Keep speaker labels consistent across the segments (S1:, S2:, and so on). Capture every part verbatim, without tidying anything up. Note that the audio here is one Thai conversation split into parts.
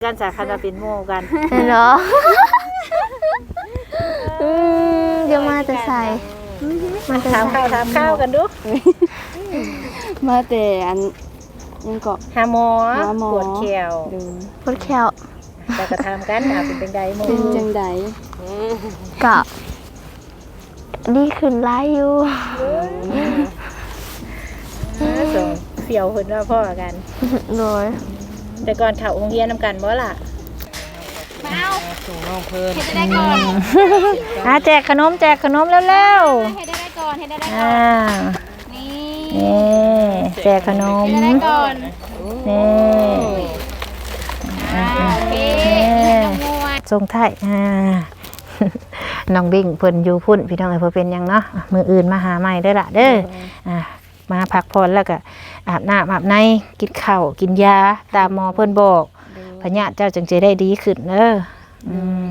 S1: กันสาขาเป็นโมกัน
S2: เนาะเดี๋ยวมาจะใส่
S1: มาถามข้าวถามข้าวกันดู
S3: มาแต่อันยังเกาะ
S1: หาหมอปวดแขว
S2: ปวดแขว
S1: แต่ก็ทำกันอ่ะเป็นเป็นไดโม
S3: เป็นจังได
S2: กะดีขึ้นไล่อยู่
S1: ส่งเสี่ยวคนว่าพ่อกัน
S2: เลย
S1: แต่ก่อนเข่าโรงเรียนนำกันบ่ล่ะ
S3: มาเอาส่งน้องเพิ่น
S1: เฮ็ดได้ก่อนอ่ะแจกขนมแจกขนมเร็ว
S3: ๆเฮ็ดได้ก่อนเฮ็ดได้ก่อน
S1: นี่นี่แจกขนม
S3: เฮ็ดได้ก่อน
S1: นี่
S3: โอเค
S1: ส่งท้ายอ่าน้องบิ่งเพิ่นอยู่พุ่นพี่น้องเอ้ยเพิ่นเป็นหยังเนาะมื้ออื่นมาหาใหม่เด้อล่ะเด้ออ่ามาพักผ่อนแล้วก็อาบน้ำอาบในกินข้าวกินยาตามหมอเพิ่นบอกพญาเจ้าจึงจะได้ดีขึ้นเด้ออืม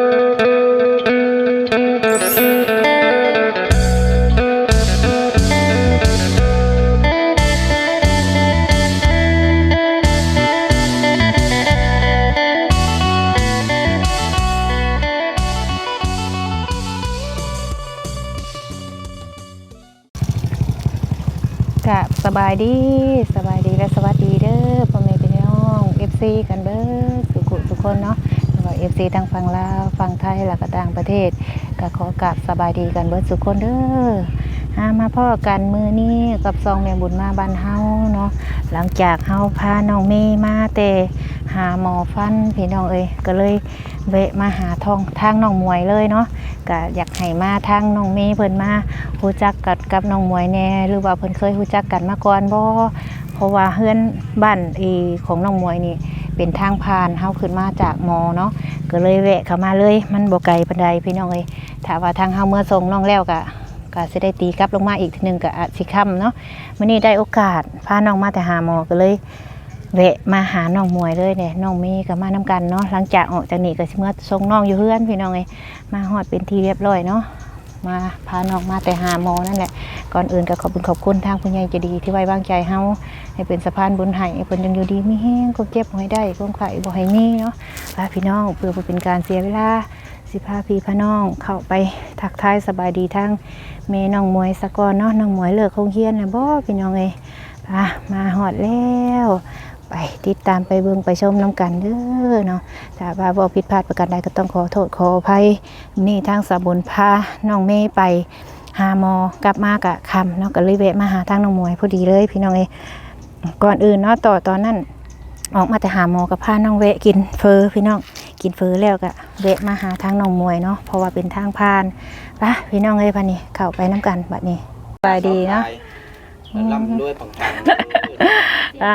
S1: กับสบายดีสบายดีและสวัสดีเด้อพ่อแม่พี่น้อง เอฟ ซี กันเบิดทุกคนทุกคนเนาะแล้วก็ เอฟ ซี ทั้งฝั่งลาวฝั่งไทยแล้วก็ต่างประเทศก็ขอกราบสบายดีกันเบิดทุกคนเด้อหามาพ่อกันมื้อนี้กับซองแม่บุญมาบ้านเฮาเนาะหลังจากเฮาพาน้องเมย์มาแต่หาหมอฟันพี่น้องเอ้ยก็เลยแวะมาหาทองทางน้องมวยเลยเนาะก็อยากให้มาทางน้องเมย์เพิ่นมารู้จักกับกับน้องมวยแน่หรือว่าเพิ่นเคยรู้จักกันมาก่อนบ่เพราะว่าเฮือนบ้านอีของน้องมวยนี่เป็นทางผ่านเฮาขึ้นมาจากมอเนาะก็เลยแวะเข้ามาเลยมันบ่ไกลปานใดพี่น้องเอ้ยถ้าว่าทางเฮาเมื่อส่งน้องแล้วก็ก็สิได้ตีกลับลงมาอีกทีนึงก็อาจสิค่ำเนาะมื้อนี้ได้โอกาสพาน้องมาแต่หาหมอก็เลยแวะมาหาน้องมวยเลยเนี่ยน้องเมย์ก็มานํกันเนาะหลังจากออกจากนี่ก็สิเมื่อส่งน้องอยู่เฮือนพี่น้องเอ้ยมาฮอดเป็นที่เรียบร้อยเนาะมาพาน้องมาแต่หาหมอนั่นแหละก่อนอื่นก็ขอบคุณขอบคุณทางผู้ใหญ่ใจดีที่ไว้วางใจเฮาให้เป็นสะพานบุญให้เพิ่นยังอยู่ดีมีแห้งก็เจ็บบ่ให้ได้ก็ไข้บ่ให้มีเนาะพาพี่น้องเพื่อบ่เป็นการเสียเวลาสิพาพี่พาน้องเข้าไปทักทายสบายดีทางแม่น้องมวยสะก่อนเนาะน้องมวยเลิกโรงเรียนน่ะบ่พี่น้องเอ้ยพามาฮอดแล้วไปติดตามไปเบิ่งไปชมน้ำกันเด้อเนาะถ้าว่าบ่ผิดพลาดประการใดก็ต้องขอโทษขออภัยนี่ทางสาบุญพาน้องเมย์ไปหาหมอกลับมากะค่ำเนาะก็เลยแวะมาหาทางน้องมวยพอดีเลยพี่น้องเอ้ยก่อนอื่นเนาะต่อตอนนั้นออกมาแต่หาหมอกับพาน้องแวะกินเฟอพี่น้องกินเฟอแล้วก็แวะมาหาทางน้องมวยเนาะเพราะว่าเป็นทางผ่านไปพี่น้องเอ้ยพันนี้เข้าไปน้ำกันบัดนี้สบายดีเนาะ
S4: ลำด้วยปังปัง
S1: อ่า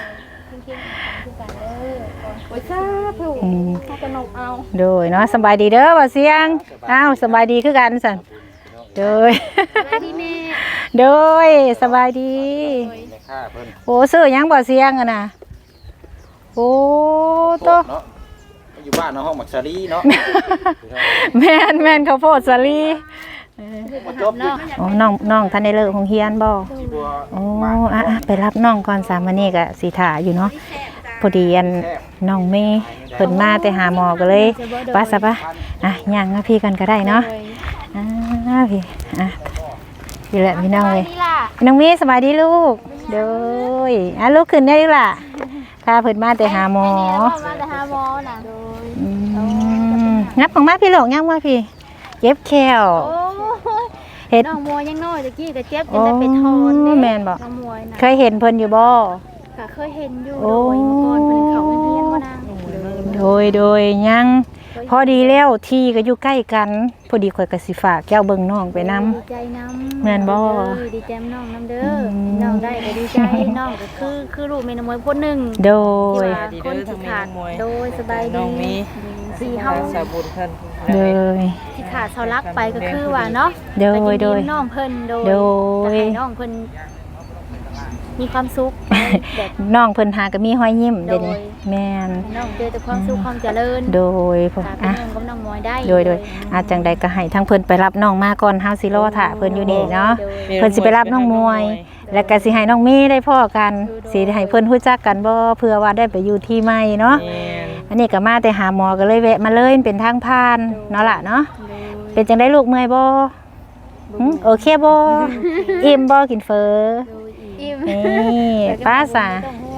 S3: โอ้ยจ้าผู้เขากระนกเอา
S1: โดยเนาะสบายดีเด้อบ่เสียงอ้าวสบายดีคือกันสั่นโดย
S3: สบายดีแม่
S1: โดยสบายดีโอ้ซื้อยังบ่เสียงอ่ะนะโอ้โต
S4: อยู่บ้านเนาะห้องหมักซาลีเนาะ
S1: แม่นแม่นข้าวโพดสาลีโอ้น้องน้องท่านได้เลิกโรงเรียนบ่โอ้อ่ะไปรับน้องก่อนสามวันนี้ก็สิถ่าอยู่เนาะพอดีอันน้องเมย์เพิ่นมาแต่หาหมอก็เลยป้าซะป่ะอ่ะย่างมาพี่กันก็ได้เนาะอ่าพี่อ่ะพี่แหละพี่น้องเลยน้องเมย์สบายดีลูกโดยอ่ะลูกขึ้นได้ล่ะถ้าเพิ่นมาแต่หาหมอ
S3: มาแต่หาหมอน่ะ
S1: งับของมาพี่หลงงับมาพี่เจ็บแขว
S3: เห็นน้องมวยยังน้อยตะกี้ก็เจ็บจนได้เป็นทอนเด้
S1: แม่นบ่
S3: น้องมวยน่ะ
S1: เคยเห็นเพิ่นอยู่บ่
S3: ก็เคยเห็นอยู่โดยเมื่อก่อนเพิ่นเข้าโรงเรียนบ่นาง
S1: โดยโดยยังพอดีแล้วที่ก็อยู่ใกล้กันพอดีข่อยก็สิฝากแก้วเบิ่งน้องไปนำ
S3: ดีใจนำ
S1: แม่นบ่
S3: ดีใจน้องนำเด้อน้องได้ก็ดีใจน้องก็คือคือลูกแม่น้องมวยคนนึง
S1: โดย
S3: คนที่ขาดโดยสบายดีน้องมีสิเฮา
S4: สาบุญเพิ่น
S1: โดย
S3: ที่ขาดเสารักไปก็คือว่าเนาะ
S1: โดยโดย
S3: น้องเพิ่นโดย
S1: โดย
S3: น้องเพิ่นมีความสุข
S1: น้องเพิ่นหาก็มีห้อยยิ้มเดี๋ยวนี้แม่น
S3: น้องเจอแต่ความสุขความเจริญ
S1: โดยผม
S3: อ่ะกับน้องมวยได้
S1: โดยโดยอาจังใดก็ให้ทั้งเพิ่นไปรับน้องมาก่อนเฮาสิรอท่าเพิ่นอยู่นี่เนาะเพิ่นสิไปรับน้องมวยแล้วก็สิให้น้องเมย์ได้พ้อกันสิให้เพิ่นรู้จักกันบ่เพื่อว่าได้ไปอยู่ที่ใหม่เนาะอันนี้ก็มาแต่หาหมอก็เลยแวะมาเลยมันเป็นทางผ่านเนาะล่ะเนาะเป็นจังได้ลูกเมื่อยบ่หึโอเคบ่อิ่มบ่กินเฟอ
S3: อิ่ม
S1: นี่ป้าสา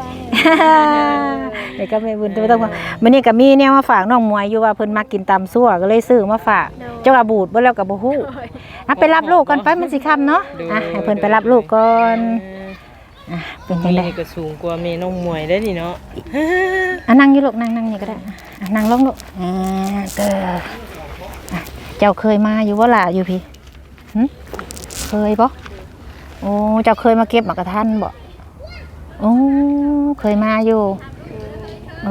S1: เดี๋ยวก็ไม่บุญไม่ต้องว่ามื้อนี้ก็มีแนวมาฝากน้องมวยอยู่ว่าเพิ่นมากินตำซั่วก็เลยซื้อมาฝากเจ้าก็บูดบ่แล้วก็บ่ฮู้อ่ะไปรับลูกก่อนไปมันสิค่ำเนาะอ่ะให้เพิ่นไปรับลูกก่อนอ่ะเป็นจัง
S5: มี
S1: ได๋
S5: นี่ก็สูงกว่าแม่น้องมวยได้นี่เนาะ
S1: อ่ะนั่งอยู่ลูกนั่งนั่งนี่ก็ได้อ่ะนั่งลงลูกอ่าเด้ออ่ะเจ้าเคยมาอยู่บ่ล่ะอยู่พี่หึเคยบ่โอ้เจ้าเคยมาเก็บหมากกระทันบ่โอ้เคยมาอยู่โอ้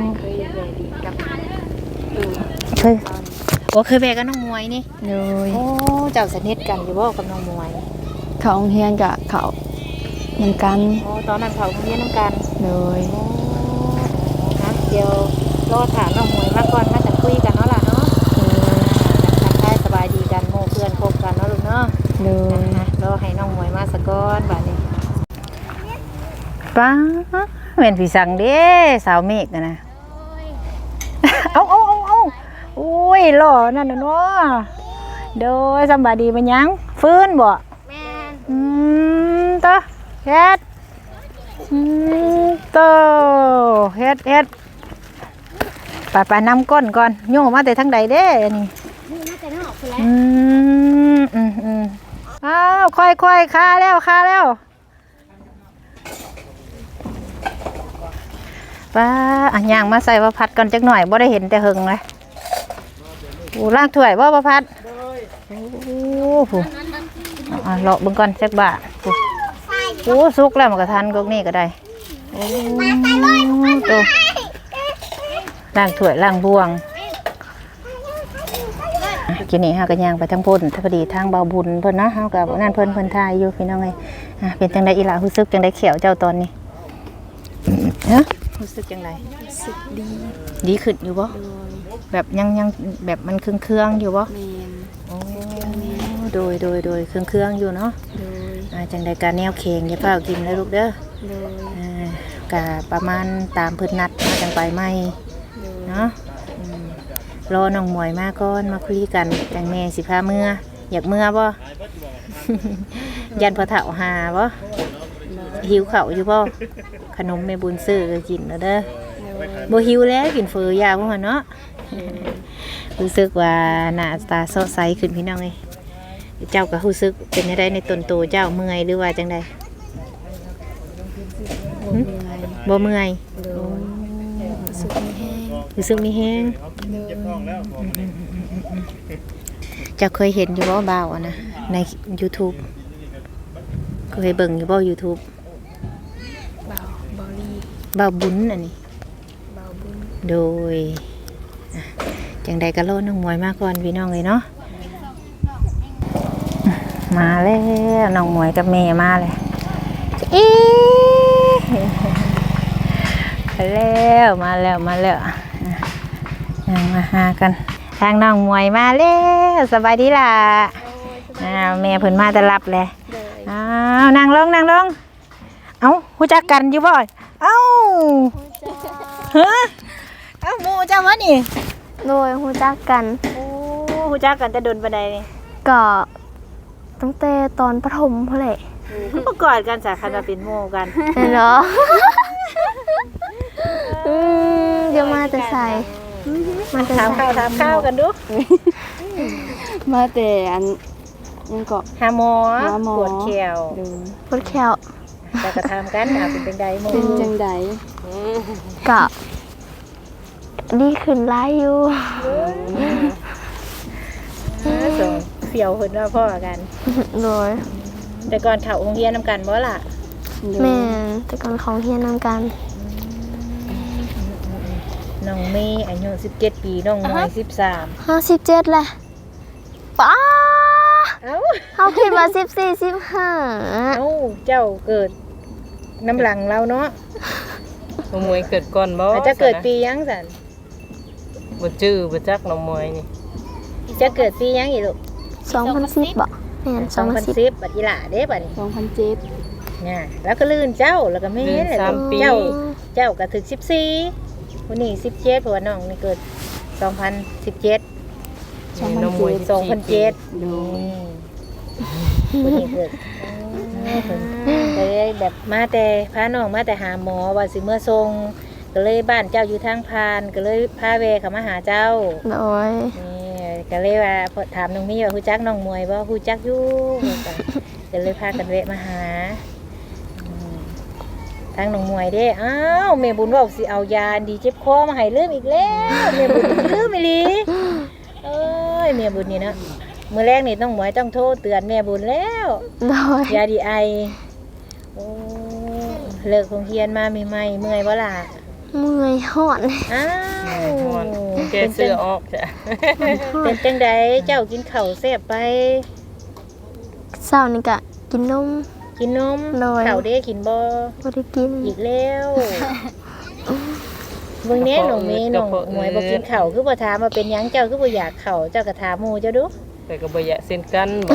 S1: เคยโอ้เคยไปกับน้องมวยนี่
S2: โดย
S1: โอ้เจ้าสนิทกันอยู่บ่กับน้องมวย
S2: เขาโรงเรียนกับเขาเหมือนกัน
S1: โอ้ตอนนั้นเขาเรียนน้ำกัน
S2: โดย
S1: โอ้นะเดี๋ยวรอถามน้องมวยมาก่อนมาจะคุยกันเนาะล่ะเนาะทักทายสบายดีกันโมเพื่อนคบกันเนาะลูกเนาะ
S2: โดย
S1: นะรอให้น้องมวยมาสะก่อนบัดนี้ป้าเหมือนพี่สั่งเด้สาวเมฆนะนะเอาเอาเอาเอาโอ้ยหล่อนั่นน่ะเนาะโดยสำบายดีมันยังฟื้นบ่
S3: แม่น
S1: อืมต่อเฮ็ดอืมต่อเฮ็ดเฮ็ดไปไปนำก้นก่อนโยมมาแต่ทางใดเด้อันนี้
S3: นี่น่าจะนอกพุ่นแหละ
S1: อืมอืมอืมอ้าวค่อยค่อยคาแล้วคาแล้วป้าอ่ะย่างมาใส่ประพัดก่อนจักหน่อยบ่ได้เห็นแต่หึงเลยโอ้ล่างถ้วยบ่ประพัดโอ้โหอ่ะเลาะเบิ่งก่อนจักบาทโอ้โอ้สุกแล้วมันก็ทันกกนี่ก็ได้โอ้ตัวล่างถ้วยล่างบวงกินนี่ฮะก็ย่างไปทางพุ่นถ้าพอดีทางเบาบุญเพิ่นนะเฮากับนั่นเพิ่นเพิ่นทายอยู่พี่น้องเอ้ยอ่ะเป็นจังได๋อีหล่ะรู้สึกจังได๋เขียวเจ้าตอนนี้ฮะรู้สึกจังได๋รู้สึกดีดีขึ้นอยู่บ่แบบยังยังแบบมันเครื่องๆอยู่บ่
S2: แมน
S1: โอ้โดยโดยโดยเครื่องๆอยู่เนาะ
S2: โดย
S1: อ่าจังได๋ก็แนวเค็งอย่าเฝ้ากินเลยลูกเด้อ
S2: โดย
S1: อ่าก็ประมาณตามเพิ่นนัดมาจังไปใหม่เนาะอืมรอน้องหมวยมาก่อนมาคุยกันจังแม่สิพาเมื่ออยากเมื่อบ่ ยันพอเฒ่าหาบ่หิวข้าวอยู่บ่ขนมแม่บุญซื้อก็กินแล้วเด้อบ่หิวแล้วกินเฟอยาบ่หั่นเนาะ รู้สึกว่าหน้าตาสดใสขึ้นพี่น้องเอ้ยเจ้าก็รู้สึกเป็นจังไดในตนโตเจ้าเมื่อยหรือว่าจังไดหึบ่เมื่อยรู้สึกมีแฮงเจ้าเคยเห็นอยู่บ่บ่าวอะนะใน YouTube เคยเบิ่งอยู่บ่ YouTube
S2: เบาเบาลี
S1: บ่าวบุญอันนี้
S2: เบาบุญ
S1: โดยอ่ะจังใดก็โลน้องมวยมาก่อนพี่น้องเลยเนาะมาแล้วน้องมวยกับแม่มาเลยอีมาแล้วมาแล้วมาแล้วอ่ะยังมาหากันทางน้องมวยมาแล้วสบายดีล่ะอ้าวแม่เพิ่นมาจะรับเลยอ้าวนั่งลงนั่งลงเอ้ารู้จักกันอยู่บ่เอ้าฮะเอ้าหมู่เจ้าวะนี่
S2: โดยฮู้จักกัน
S1: โอ้ฮู้จักกันแต่โดนปานใดนี่
S2: ก็ตั้งแต่ตอนประถมพุ่นแหละ
S1: ก็ประกอดกันสาขาว่าเป็นหมู่กัน
S2: เนาะอืมเดี๋ยวมาแต่ใส่มาแต่
S1: ถาม
S2: ใส่
S1: ข้าวถามข้าวกันดู
S2: มาแต่อันยังเกาะ
S1: หาหมอ
S2: หาหมอ
S1: ปวดแขว
S2: พุดแคว
S1: แต่ก็ถามกันอ่ะเป็นจังไดหมู่
S2: เป็นจังไดกะดีขึ้นหลายอยู่
S1: ส่งเสี่ยวเพิ่นว่าพ่อกัน
S2: โดย
S1: แต่ก่อนเข้าโรงเรียนนํกันบ่ล่ะ
S2: แม่นแต่ก่อนของเฮียนนำกัน
S1: น้องเมย์อายุสิบเจ็ดปีน้องมวยสิบสาม
S2: ห้าสิบเจ็ดแหละป้า
S1: เอ้า
S2: เขาคิดว่าสิบสี่สิบห้า
S1: เอ้าเจ้าเกิดน้ำหลังเราเนาะ
S5: น้องมวยเกิดก่อนบ่
S1: อาจจะเกิดปีหยังซั่น
S5: บ่จื้อบ่จักน้องมวยนี่
S1: จะเกิดปีหยังอีกลูก
S2: สองพันสิบบ่แม่นส
S1: ส
S2: อ
S1: อง ง
S2: พั
S1: พั
S2: น
S1: น
S2: สิบ
S1: สิบบัดอีหล่าเด้บัดนี้
S2: สองพันเจ็ด
S1: น่ะแล้วก็ลื่นเจ้าแล้วก็แม่
S5: เดือน
S1: เลย
S5: สามปี
S1: เจ้าเจ้าก็ถึกสิบสี่ผู้นี้สิบเจ็ดเพราะว่าน้องนี่เกิดสองพันสิบเจ็ด
S5: มีน้องมวย
S1: สองพันเจ็ด
S2: ดู
S1: ผู้นี้เกิดก็เลยแบบมาแต่พาน้องมาแต่หาหมอว่าสิเมื่อทรงก็เลยบ้านเจ้าอยู่ทางพานก็เลยพาเวเขามาหาเจ้า
S2: โดย
S1: นี่ก็เลยว่าพอถามน้องมีว่าฮู้จักน้องมวยบ่ฮู้จักอยู่ก็เลยพากันแวะมาหาอืมทางน้องมวยเด้อ้าวแม่บุญว่าสิเอายาดีเจ็บคอมาให้ลืมอีกแล้วแม่บุญลืมอีหลีเอ้ยแม่บุญนี่นะมื้อแรกนี่ต้องหมวยต้องโทรเตือนแม่บุญแล้ว
S2: โดย
S1: ยาดีไอโอ้เลิกโรงเรียนมาใหม่ๆเมื่อยบ่ล่ะ
S2: เมื่อยหอน
S1: อ้าว
S5: หอนแกเสื้อออกจ้ะ
S1: เป็นจังไดเจ้ากินข้าวแซ่บไป
S2: เช้านี่ก็กินนม
S1: กินนม
S2: โดย
S1: ข้าวเด้กินบ่
S2: บ่ได้กิน
S1: อีกแล้วเบิ่งแน่น้องเมย์น้องหมวยบ่กินข้าวคือบ่ถามว่าเป็นหยังเจ้าคือบ่อยากข้าวเจ้าก็ถามหมู่เจ้าดู
S5: แต่ก็บ่อยากเส้นกันบ่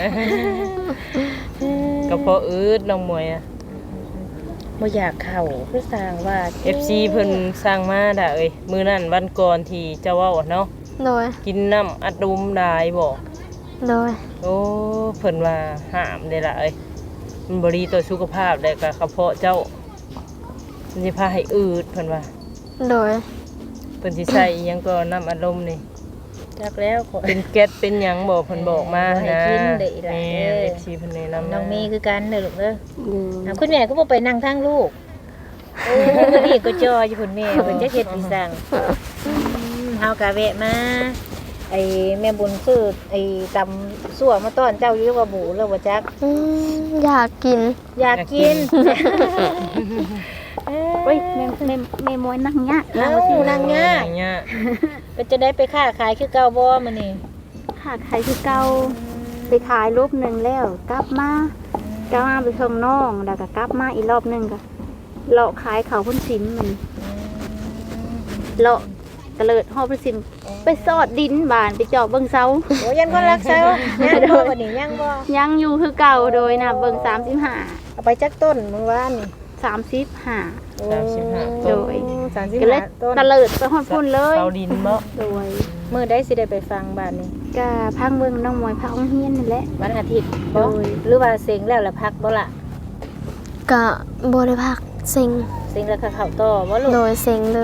S5: ก็เพราะอืดน้องมวยอะ
S1: บ่อยากข้าวคือสร้างว่า
S5: เอฟ ซี เพิ่นสร้างมาด่าเอ้ยมื้อนั้นวันก่อนที่เจ้าเว้าเนาะ
S2: โดย
S5: กินน้ำอัดลมได้บ่
S2: โดย
S5: โอ้เพิ่นว่าห้ามได้ล่ะเอ้ยมันบ่ดีต่อสุขภาพได้ก็กระเพาะเจ้ามันสิพาให้อืดเพิ่นว่า
S2: โดย
S5: เพิ่นสิใส่อิหยังก็น้ำอัดลมนี่
S1: จักแล้วขอ
S5: เป็นแก๊สเป็นหยังบ่เพิ่นบอกมา
S1: บ่ให้
S5: นะ
S1: กินเด้อล่ะ
S5: แม่
S1: เอ้ย
S5: เอฟ ซี เพิ่นแนะนำ
S1: น้องเมย์คือกันเด้อลูกเด้อ
S2: ดู
S1: อ่ะคุณแม่ก็บ่ไปนั่งทางลูกโอ้มื้อนี้ก็จออยู่พุ่นแม่เพิ่นจะเฮ็ดอีสังอืมเฮาก็แวะมาไอ้แม่บุญซื้อไอ้ตำซั่วมาต้อนเจ้าอยู่ว่าบูแล้วบ่จัก
S2: อืมอยากกิน
S1: อยากกิน
S3: โอ้ยแม่แม่แม่มวยนั่งยะ
S1: เอ้านางยาก
S5: อย่างเงี้ย
S1: ก็จะได้ไปค้าขายคือเก่าบ่มื้อนี้
S3: ค่ะขายคือเก่าไปขายรูปหนึ่งแล้วกลับมากลับมาไปส่งน้องแล้วก็กลับมาอีกรอบหนึงก็เลาะขายเขาพุ่นสิมมันเลาะกระเลิดหอบพุ่นสิมไปสอดดินบานไปเจาะเบิ่งเสา
S1: โอ้ยันคนรักเซายังบ่บัดนี้ยังบ่
S3: ยังอยู่คือเก่าโดยนะเบิ่งสามสิบห้า
S1: เอาไปจักต้นมื้อวานนี่
S3: สามสิบห้า
S5: สามสิบห้า
S3: โด
S5: ต้น
S3: ย
S1: สามสิบ
S3: ก็เลย
S1: ห้าต้น
S3: ตะเลิดไปหอดพุ่นเลย
S5: เสาดินบ่
S3: โดย
S1: มื้อใดสิได้ไปฟังบ้านนี้
S3: ก็พังเบิ่งน้องมวยพักองเฮียนนี่แหละ
S1: วันอาทิตย์บ่
S3: โดย
S1: หรือว่าเซ็งแล้วแล้วพักบ่ล่ะ
S2: ก็บ่ได้พักเซ็ง
S1: เซ็งแล้วก็เข้าต่อบ่ลูก
S2: โดยเซ็งเลย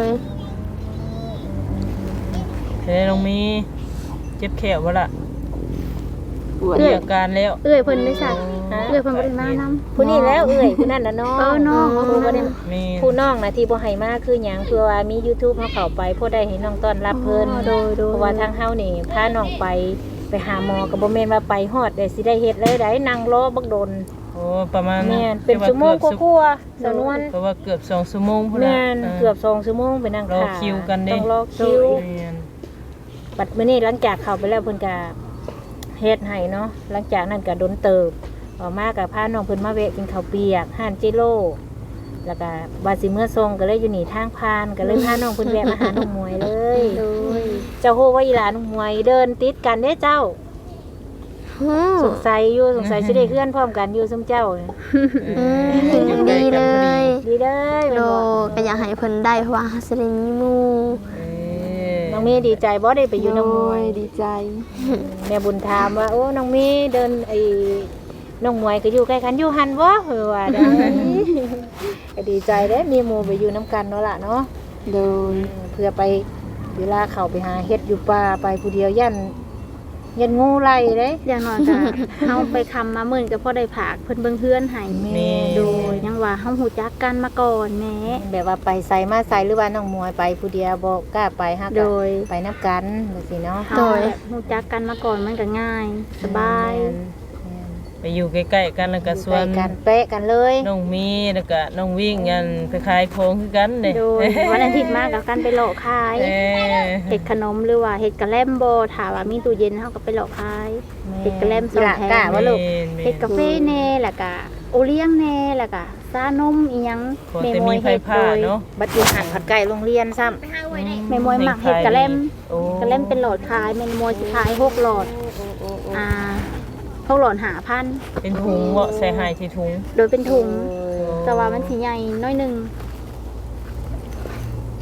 S5: เฮ้ยน้องมีเจ็บแขวบ่ล่ะ
S3: เอ้
S5: มี
S3: ย
S5: อาการแล้ว
S3: เอ้ยเพิ่นได้สักเอ้ยเพิ่นบ่ได้มานำ
S1: ผู้นี้แล้วเอ้ยผู้นั้นน่ะน้อง
S3: เออน้อง
S1: ผู้บ่ได้
S5: มี
S1: ผู้น้องน่ะที่บ่ให้มาคือหยังเพื่อว่ามี YouTube เฮาเข้าไปพอได้ให้น้องต้อนรับเพิ่น
S3: โดยโดย
S1: เพราะว่าทางเฮานี่พาน้องไปไปหาหมอก็บ่แม่นว่าไปฮอดได้สิได้เฮ็ดเลยได้นั่งรอบักโดน
S5: โอ้ประมาณ
S1: แม่นเป็นชั่วโมงกว่าๆสนวน
S5: เพราะว่าเกือบสองชั่วโมงพุ่น
S1: แม่
S5: น่ะ
S1: นเกือบสองชั่วโมงไปนั่ง
S5: รอ
S1: ท่า
S5: คิวกันเด้
S1: ต้องรอคิว
S5: แม่น
S1: บัดมื้อนี้หลังจากเข้าไปแล้วเพิ่นก็เฮ็ดให้เนาะหลังจากนั้นก็โดนเติบออกมาก็พาน้องเพิ่นมาแวะกินข้าวเปียกห้านจิโร่แล้วก็ว่าสิเมื่อทรงก็เลยอยู่นี่ทางพานก็เลยพาน้องเพิ่นแวะมาหาน้องมวยเลย
S3: โดย
S1: เจ้าฮู้ว่าอีหลาน้องมวยเดินติดกันเด้เจ้า
S2: อืม
S1: สงสัยอยู่สงสัยสิได้เพื่อนพร้อมกันอยู่ซุมเจ้าเนี่ย
S2: อืมดีเลย
S1: ดีเด้อ
S2: โด
S1: แม่นบ่
S2: ก็อยากให้เพิ่นได้เพราะว่าสิได้มีหมู่
S5: เอ้ย
S1: น้องมีดีใจบ่ได้ไปอยู่น้องมวย
S3: ดีใจ
S1: แม่บุญถามว่าโอ้น้องมีเดินไอ้น้องมวยก็อยู่ใกล้กันอยู่หันบ่เออว่าได้ก็ดีใจเด้มีหมู่ไปอยู่นํกันเนาะล่ะเนาะ
S3: โดย
S1: เพื่อไปเวลาเข้าไปหาเฮ็ดอยู่ป่าไปผู้เดียวยันยันงูไล่เด้
S3: อย่างน้อยก็ เฮาไปคำมาหมื่นก็พอได้ผากเพิ่นเบิ่งเฮือนให้
S1: แม่
S5: นี่
S3: โดยยังว่าเฮาฮู้จักกันมาก่อนแหม่
S1: แบบว่าไปใส่มาใส่หรือว่าน้องมวยไปผู้เดียวบ่กล้าไปฮัก
S3: โดย
S1: ไปนํกันจังซี่เนาะ
S3: เฮาแบบฮู้จักกันมาก่อนมันก็ง่าย สบาย
S5: ไปอยู่ใกล้ๆกันแล้วก็
S1: ส่
S5: ส่
S1: ว
S5: วน น
S1: กันเป๊ะกันเลย
S5: น้องมีแล้วก็น้องวิ่งกันไปขายของคือกันเด้
S3: โดยวันอาทิตย์มากับกันไปเลาะขาย
S5: เอ้ย
S3: เฮ็ดขนมหรือว่าเฮ็ดกะแลมบ่ถ้าว่ามีตู้เย็นเฮาก็ไปเลาะขาย เฮ็ดกะแลมสองแถว
S1: กะว่าลูก
S5: แม่น
S3: เฮ็ดกาแฟแน่แล้วก็โอเลี้ยงแน่แล้วก็ซานมอีหยัง
S5: พอแต่มีไฟผ้าเนาะ
S1: บัดอยู่หันผัดไก่โรงเรียนซ้ำ
S3: แม่มวยมักเฮ็ดกะแลม
S5: โอ้
S3: กะแลมเป็นหลอดขายแม่มวยสิขายหกหลอดอ่าหกหลอดห้าพัน
S5: เป็นถุงบ่ใส่ให้ที่ถุง
S3: โดยเป็นถุงแต่ว่ามันสิใหญ่น้อยหนึง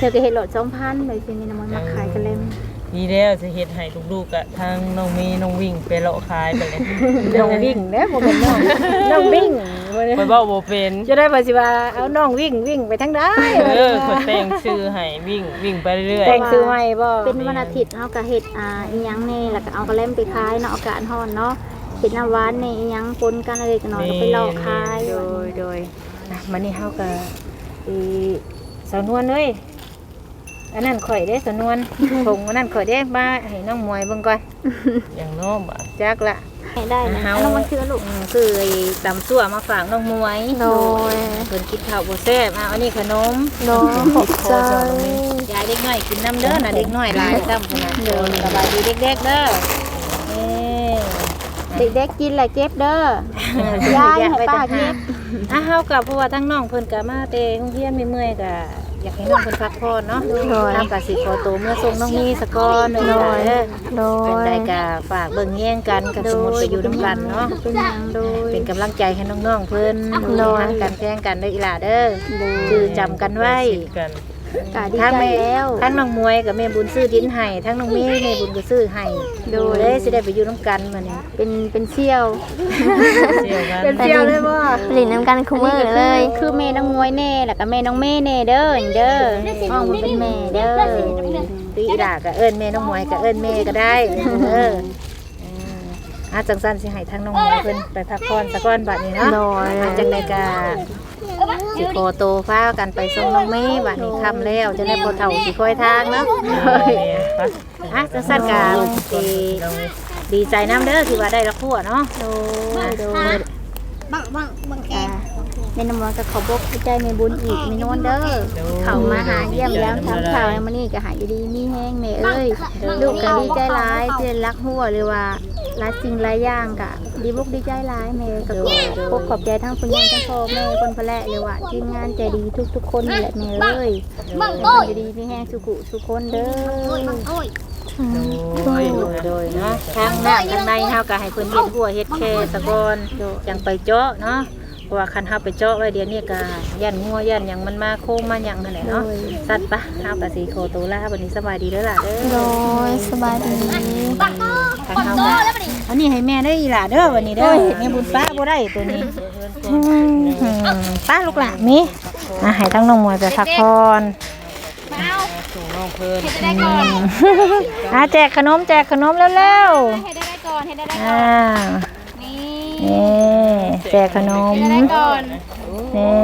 S3: ธอก็เฮ็ดโหลดสองพันเลยสิมีน้ำมันมาขายกันเลย
S5: นี่แล้วจะเฮ็ดให้ลูกๆอะทางน้องเมย์น้องวิ่งไปเลาะขายไปเลย
S1: น้องวิ่งเด้อบ่เป็นน้องน้องวิ่งบ่ได้
S5: ไปเว้าบ่เป็น
S1: จะได้ว่าสิว่าเอาน้องวิ่งวิ่งไปทางใด
S5: เออคนแต่งชื่อให้วิ่งวิ่งไปเรื่อย
S1: แต่งซื้อใหม่บ่
S3: เป็นวันอาทิตย์เฮาก็เฮ็ดอ่าอีหยังแน่แล้วก็เอากระเล่มไปขายเนาะอากาศร้อนเนาะเฮ็ดน้ำหวานนี่อีหยังปนกันอะไรกันหน่อยก็ไปเลาะขาย
S1: โดยโดยอ่ะมื้อนี้เฮาก็อีสาวนวลเอ้ยอันนั้นข่อยเด้สาวนวลผงอันนั้นข่อยเด้มาให้น้องมวยเบิ่งก่อน
S5: ๆอย่างน้อบ่
S1: จักละ
S3: ให้ได้นะ
S1: เฮา
S3: เอามาซื้อลูก
S1: อืมคือไอ้ตำซั่วมาฝากน้องมวย
S2: โดย
S1: เพิ่นกินข้าวบ่แซ่บอ่ะอันนี้ขนม
S2: โดยขอบใจ
S1: ยายเด็กน้อยกินน้ำเด้อน่ะเด็กน้อยหลายซ้ำขนาดเด้อสบายดีเด็กๆเด้อเอ้
S3: เด็กๆกินแหละเก็บเด้อยายให้ป้าเก็บ
S1: อ่ะเฮากับเพราะว่าทั้งน้องเพิ่นก็มาแต่โรงเรียนเมื่อยๆก็อยากให้น้องเพิ่นพักผ่อนเนาะเฮาก็สิขอตัวเมื่อส่งน้องมีสะก่อนหน่อยเด้อ
S2: โด
S1: เป็น
S2: ย
S1: ได้ก็ฝากเบิ่งแย่งกันกับสมุดไปอยู่นํกันเนาะ
S3: เป็นหยังโดย
S1: เป็นกำลังใจให้น้องๆเพิ่น
S2: โดย
S1: หักกันแพงกันเด้ออีหล่าเด้อชื่อจำกันไว้
S5: สิกัน
S3: กะดี
S1: ทั้ง
S3: ใจ
S1: แม่
S3: แล้ว
S1: ทั้งน้องมวยกับแม่บุญซื้อดินให้ทั้งน้องเมย์แม่บุญก็ซื้อให้โดยได้สิได้ไปอยู่นํกันมื้อนี้
S3: เป็นเป็นเชี่ยว
S5: เสี่ยวกัน
S1: เป็นเสี่ยวเลยบ่
S2: หลินน้ำกันคุมือเลย
S3: คือแม่น้องมวยแน่แล้วก็แม่น้องเม่แน่เด้อเด้อห้องมันเป็นแม่เด้อ
S1: ตีอีหล่าก็เอิ้นแม่น้องมวยก็เอิ้นแม่ก็ได้เอออาจังซั่นสิให้ทั้งน้องมวยเพิ่นไปพักผ่อนซะก่อนบัดนี้เนาะ
S2: โดย
S1: อาจังได๋ก็สิขอโตพากันไปส่งน้องเมย์บัดนี้ค่ำแล้วจะได้บ่เฒ่าสิคอยทางเนาะ อ่ะจังซั่นก็สิดีใจน้ำเด้อที่ว่าได้ละครัวเนาะ
S3: โดยโดยบังบังบังแกแม่น้องมวยก็ขอบอกใจแม่บุญอีกแม่นวลเด้อเขามาหาเยี่ยมยามทำข่าวมื้อนี้ก็หายดีมีแห้งแม่เอ้ยลูกก็ดีใจหลายที่ได้รักหัวหรือว่าหลายสิ่งหลายอย่างก็ดีบุกดีใจหลายแม่ก็ขอขอบใจทั้งคุณยายทั้งพ่อแม่คนพะแลหรือว่าทีมงานใจดีทุกๆคนนี่แหละแม่เอ้ยคนดีมีแห้งสุขุสุคนเด้อ
S5: โดย
S1: โดยเนาะทางน้ำทางในเฮาก็ให้เพิ่นเฮ็ดหัวเฮ็ดแค่ตะกอนจังไปเจาะเนาะเพราะว่าคันเฮาไปเจาะไว้เดี๋ยวนี้ก็ย่านงัวย่านหยังมันมาโค้งมาหยังนั่นแหละเนาะสัตว์ปะเฮาก็สิขอตัวลาบัดนี้สบายดีเด้อล่ะเด้อ
S2: โดยสบายดี
S1: ทางเฮาก็อันนี้ให้แม่เด้ออีหล่ะเด้อวันนี้เด้อแม่บุญป้าบ่ได้ตัวนี้อืมป้าลูกหลานมีอ่ะให้ทั้งน้องมวยไปพักผ่อน
S5: ส่งน้องเพิ่น
S1: อ่ะแจกขนมแจกขนมเร็ว
S3: ให้ได้ได้ก่อนให้ได้ได้
S1: ๆอ่า
S3: นี่
S1: นี่แจกขนม
S3: ได้ก่อน
S1: นี่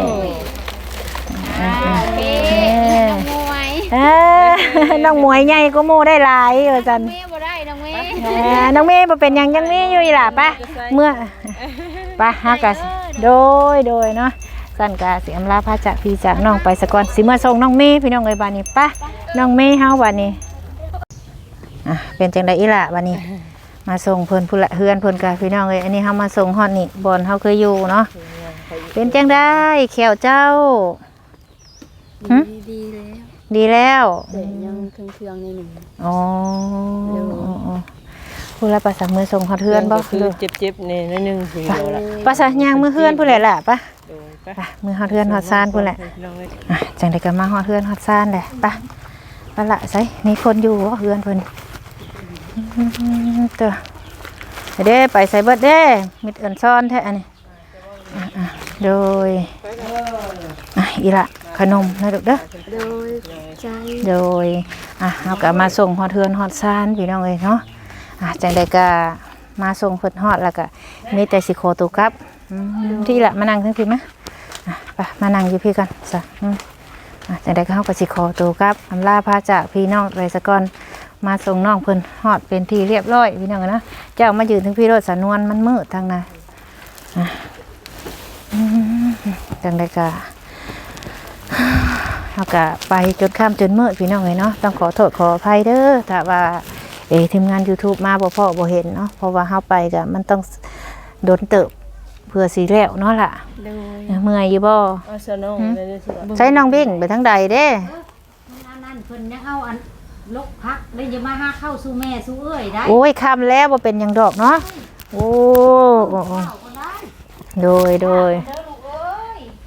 S1: อ่ะ
S3: โอเค
S1: นี่
S3: น้องมวย
S1: เอ้อน้องหมวยใหญ่ก็โมได้หลายว่าจัน
S3: เมย์บ่ได้น้องเมย์
S1: อ่าน้องเมย์บ่เป็นหยังยังมีอยู่อีหล่ะปะเมื่อปะฮากะโดยโดยเนาะสั่นกะสิอำลาพาจากพี่จากน้องไปสะก่อนสิเมื่อส่งน้องเมย์พี่น้องเอ้ยบัดนี้ปะน้องเมย์เฮาบัดนี้อ่ะเป็นจังได๋อีหล่ะบัดนี้ มาส่งเพิ่นผู้ละเฮือนเพิ่นกะพี่น้องเอ้ยอันนี้เฮามาส่งฮอดนี่บ่อนเฮาเคยอยู่เนาะเป็นจังได๋แขวเจ้าหึ
S2: ดีแล้ว
S1: ดีแล้ว
S2: แต่ยังเครื่องๆในหนึ่ง
S1: อ๋อผู้ละภาษามือส่งฮอดเฮือนบ่
S5: คือเจ็บๆนี่นิดนึงสิเดียวละ
S1: ภาษายางมือเฮือนผู้แหละล่ะปะ
S5: โดยไป
S1: ไปมือฮอดเฮือนฮอดซ่านผู้แหละอ่ะจังได๋ก็มาฮอดเฮือนฮอดซ่านแหละปะปะละไสมีคนอยู่บ่เฮือนเพิ่นอืมเด้อเด้ไปใส่เบิดเด้มิดเอิ้นซ่อนแท้อันนี้อ่ะๆโดยอ่ะอีละขนมนะลูกเด้อ
S2: โดยใจ
S1: โดยอ่ะเอากลับมาส่งฮอดเทือนฮอดซานพี่น้องเอ้ยเนาะอ่ะจังใดก็มาส่งเพิ่นฮอดแล้วก็มีแต่สิขอตัวกลับอืมที่ละมานั่งทั้งพี่มะอ่ะไปมานั่งอยู่พี่กันซะอืมอ่ะจังใดก็เฮาก็สิขอตัวกลับอำลาพาจากพี่น้องไปซะก่อนมาส่งน้องเพิ่นฮอดเป็นที่เรียบร้อยพี่น้องเนาะเจ้ามายืนถึงพี่รถสนวนมันมืดทางน่ะอ่ะอืมจังใดก็ เราก็ไปจนค่ำจนมืดพี่น้องเลยเนาะต้องขอโทษขออภัยเด้อถ้าว่าเอทีมงาน YouTube มาบ่พอบ่เห็นเนาะเพราะว่าเฮาไปก็มันต้องโดนเติบเพื่อสิแล้วเนาะล่ะ
S3: โดย
S1: เมื่อยอยู่บ่
S5: เอาซะน้องได้ได้สิ
S1: ใช้น้องบิ่งไปทางใดเด้
S6: อันนั้นเพิ่นยังเอาอันลกพักได้จะมาหาเข้าสู่แม่สู่เอ้ยได้
S1: โอ้ยค่ำแล้วบ่เป็นหยังดอกเนาะโอ้โอ้โอ้โดยโดยอ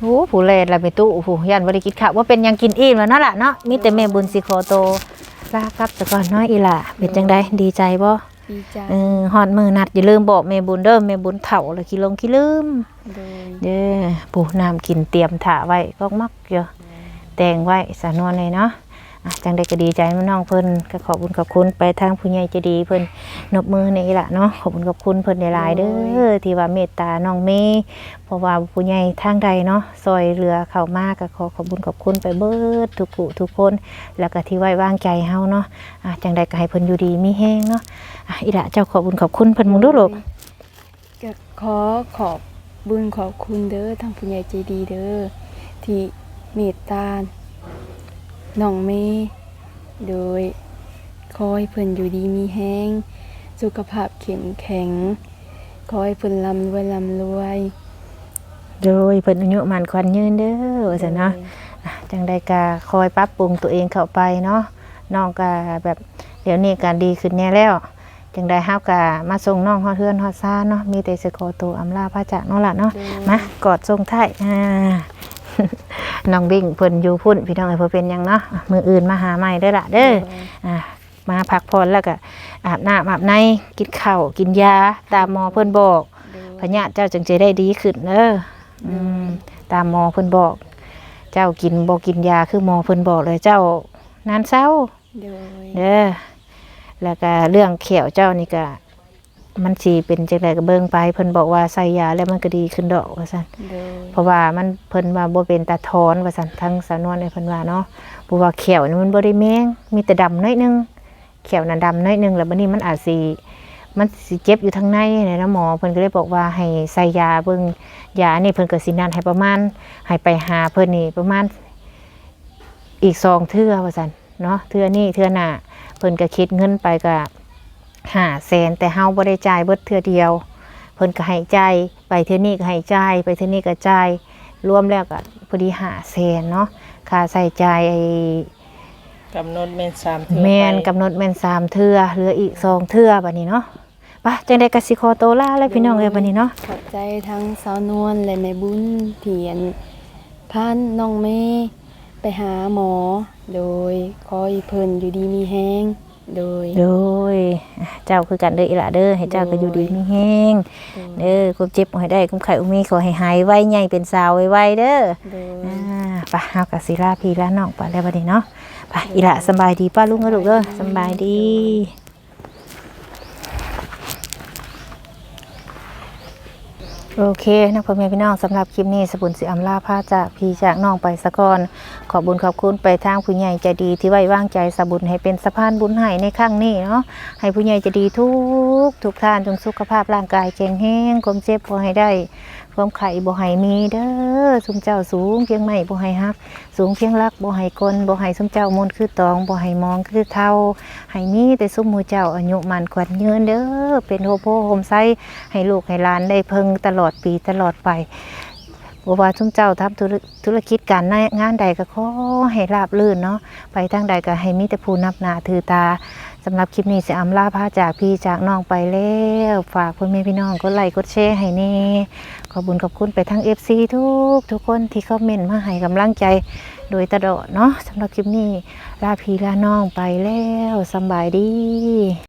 S1: โอ้ผู้แลนละไปตู้ผู้ยันบ่ได้กินข้าวว่าเป็นหยังกินอิ่มแล้วเนาะล่ะเนาะมีแต่แม่บุญสิขอโตลากลับซะก่อนเนาะอีหล่าเป็นจังไดดีใจบ่
S2: ดีใจ
S1: เออฮอดมื้อนัดอย่าลืมบอกแม่บุญเด้อแม่บุญเฒ่าแล้วขี้ลงขี้ลืม
S2: โดย
S1: เด้อผู้น้ำกินเตรียมถ่าไว้ก็มักอยู่แต่งไว้สานวนเลยเนาะอ่ะจังได้ก็ดีใจมื้อน้องเพิ่นก็ขอบคุณขอบคุณไปทางผู้ใหญ่ใจดีเพิ่นนบมือนี่ล่ะเนาะขอบคุณขอบคุณเพิ่นหลายๆเด้อที่ว่าเมตตาน้องเมย์เพราะว่าผู้ใหญ่ทางใดเนาะซอยเรือเข้ามาก็ขอขอบคุณขอบคุณไปเบิดทุกผู้ทุกคนแล้วก็ที่ไว้วางใจเฮาเนาะอ่ะจังได้ก็ให้เพิ่นอยู่ดีมีแฮงเนาะอ่ะอีละเจ้าขอบคุณขอบคุณเพิ่นมึงดูลูก
S2: ก็ขอขอบบุญขอบคุณเด้อทางผู้ใหญ่ใจดีเด้อที่เมตตาน้องเมย์โดยขอให้เพิ่นอยู่ดีมีแห้งสุขภาพเข้มแข็งขอให้เพิ่นร่ำรวยร่ำรวย
S1: โดยเพิ่นอายุมันควันยืนเด้อว่าซั่นเนาะอ่ะจังได้ก็คอยปรับปรุงตัวเองเข้าไปเนาะน้องก็แบบเดี๋ยวนี้ก็ดีขึ้นแน่แล้วจังได้เฮาก็มาส่งน้องฮอดเฮือนฮอดซ่านเนาะมีแต่สิขอตัวอำลาพระจากเนาะล่ะเนาะมากอดส่งท้ายอ่า น้องบิ่งเพิ่นอยู่พุ่นพี่น้องเอ้ยเพิ่นเป็นหยังเนาะอ่ะมื้ออื่นมาหาใหม่เด้อล่ะเด้ออ่ามาพักผ่อนแล้วก็อาบน้ำอาบในกินข้าวกินยาตามหมอเพิ่นบอกพญาเจ้าจึงจะได้ดีขึ้นเด้ออืมตามหมอเพิ่นบอก เจ้ากินบ่กินยาคือหมอเพิ่นบอกเลยเจ้านานเศร้า
S2: โดย
S1: เด้อแล้วก็เรื่องเขียวเจ้านี่ก็มันสิเป็นจังไดก็เบิ่งไปเพิ่นบอกว่าใส่ยาแล้วมันก็ดีขึ้นดอกว่าซั่น
S2: โดย
S1: เพราะว่ามันเพิ่นว่าบ่เป็นตาถอนว่าซั่นทั้งสานวนในเพิ่นว่าเนาะเพราะว่าเขียวนี่มันบ่ได้แมงมีแต่ดำน้อยนึงเขียวน่ะดำน้อยนึงแล้วบัดนี้มันอาจสิมันสิเจ็บอยู่ทางในเนี่ยนะหมอเพิ่นก็เลยบอกว่าให้ใส่ยาเบิ่งยานี่เพิ่นก็สินัดให้ประมาณให้ไปหาเพิ่นนี่ประมาณอีกสองเทื่อว่าซั่นเนาะเทื่อนี้เทื่อหน้าเพิ่นก็คิดเงินไปก็ห้าแสนแต่เฮาบ่ได้จ่ายเบิดเทื่อเดียวเพิ่นก็ให้จ่ายไปเทื่อนี้ก็ให้จ่ายไปเทื่อนี้ก็จ่ายรวมแล้วก็พอดีห้าแสนเนาะค่าใช้จ่ายไอ้
S5: กำหนดแม่นสามเทื่อ
S1: แม่น
S5: ไป
S1: กำหนดแม่นสามเทื่อเหลืออีกสองเทื่อบัดนี้เนาะไปจังได๋ก็สิขอตัวลาเลยพี่น้องเอ้ยบัดนี้เนาะ
S2: ขอบใจทั้งสาวนวลและแม่บุญที่อันพาน้องเมย์ไปหาหมอ โดยขอให้เพิ่นอยู่ดีมีแห้งโดย
S1: โดยอ่ะเจ้าคือกันเด้ออีหล่ะเด้อให้เจ้าก็อยู่ดีมีแฮงเด้อความเจ็บบ่ให้ได้ความไข้อุมีขอให้หายไวใหญ่เป็นสาวไวๆเด้อ
S2: โดย
S1: อ่าไปเฮาก็สิลาพี่ลาน้องไปแล้วบัดนี้เนาะไปอีหล่ะสำบายดีป้าลุงเด้อลูกเด้อสำบายดี โอเคนะพ่อแม่พี่น้องสำหรับคลิปนี้สบุญสิอำลาพาจากพี่จากน้องไปสะก่อนขอบุญขอบคุณไปทางผู้ใหญ่ใจดีที่ไว้วางใจสบุญให้เป็นสะพานบุญให้ในครั้งนี้เนาะให้ผู้ใหญ่ใจดีทุกทุกท่านจงสุขภาพร่างกายแข็งแรงความเจ็บบ่ให้ได้ความไข่บ่ให้มีเด้อสุมเจ้าสูงเพียงไม่บ่ให้ฮักสูงเพียงรักบ่ให้กลบ่ให้สุมเจ้ามนต์คือตองบ่ให้มองคือเท่าให้มีแต่สุมหมู่เจ้าอายุมันขวัญยืนเด้อเป็นโฮโพโฮมไซให้ลูกให้หลานได้เพิ่งตลอดปีตลอดไปบ่ว่าทุกเจ้าทำธุรธุรกิจการงานใดก็ขอให้ราบรื่นเนาะไปทางใดก็ให้มีแต่ผู้นับหน้าถือตาสำหรับคลิปนี้สิอำลาพาจากพี่จากน้องไปแล้วฝากพ่อแม่พี่น้องกดไลค์กดแชร์ให้แน่ขอบุญขอบคุณไปทั้ง เอฟ ซี ทุกทุกคนที่คอมเมนต์มาให้กำลังใจโดยตลอดเนาะสำหรับคลิปนี้ลาพี่ลาน้องไปแล้วสำบายดี